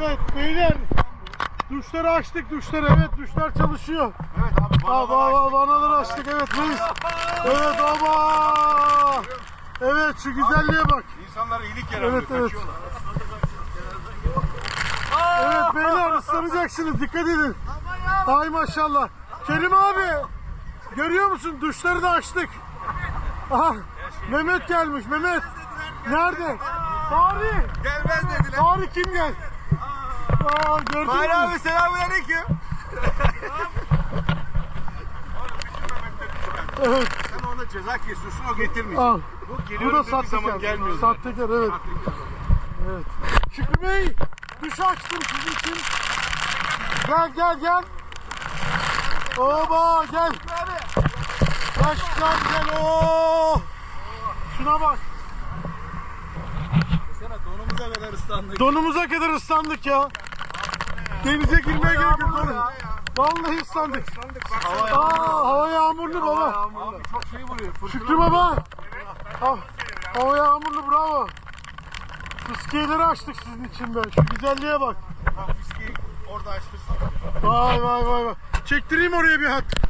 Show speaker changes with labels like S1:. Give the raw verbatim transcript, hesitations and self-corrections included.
S1: Evet beyler. Duşları açtık, duşları. Evet, duşlar çalışıyor.
S2: Evet abi,
S1: vanaları açtık. Vanaları açtık, evet reis. Evet ama. Evet, şu güzelliğe bak.
S2: İnsanlara iyilik yaramıyor,
S1: Evet, evet.
S2: kaçıyorlar.
S1: Evet beyler, ıslanacaksınız, dikkat edin. Ay maşallah. Kerim abi, görüyor musun? Duşları da açtık. Aha, Mehmet gelmiş, Mehmet. Nerede? Tarih.
S2: Gelmez dediler.
S1: Tarih kim gel? Aa, gördün
S2: Fahri
S1: mü?
S2: abi selamünaleyküm.
S1: Evet.
S2: Sen ona ceza kesiyorsun, o getirmeyecek.
S1: Al.
S2: Bu
S1: Bu
S2: geliyorum
S1: da
S2: dediği zaman
S1: sahtekar.
S2: gelmiyor.
S1: Sahtekar, evet. Evet. Şükrü Bey, duş açtım sizin için. Gel gel gel. Oba gel. Başkan gel. Oo. Şuna bak.
S2: Sana donumuza kadar ıslandık.
S1: Donumuza kadar ıslandık ya. Denize girmeye gerek yok. Vallahi ıslandık.
S2: Hava
S1: Aa, hava yağmurlu baba.
S2: Abi çok şey vuruyor.
S1: Şükrü baba. Ha, hava yağmurlu, bravo. Fıskiyeleri açtık sizin için be. Şu güzelliğe bak.
S2: Fiski orada açtırsın.
S1: Vay vay vay vay. Çektireyim oraya bir hat.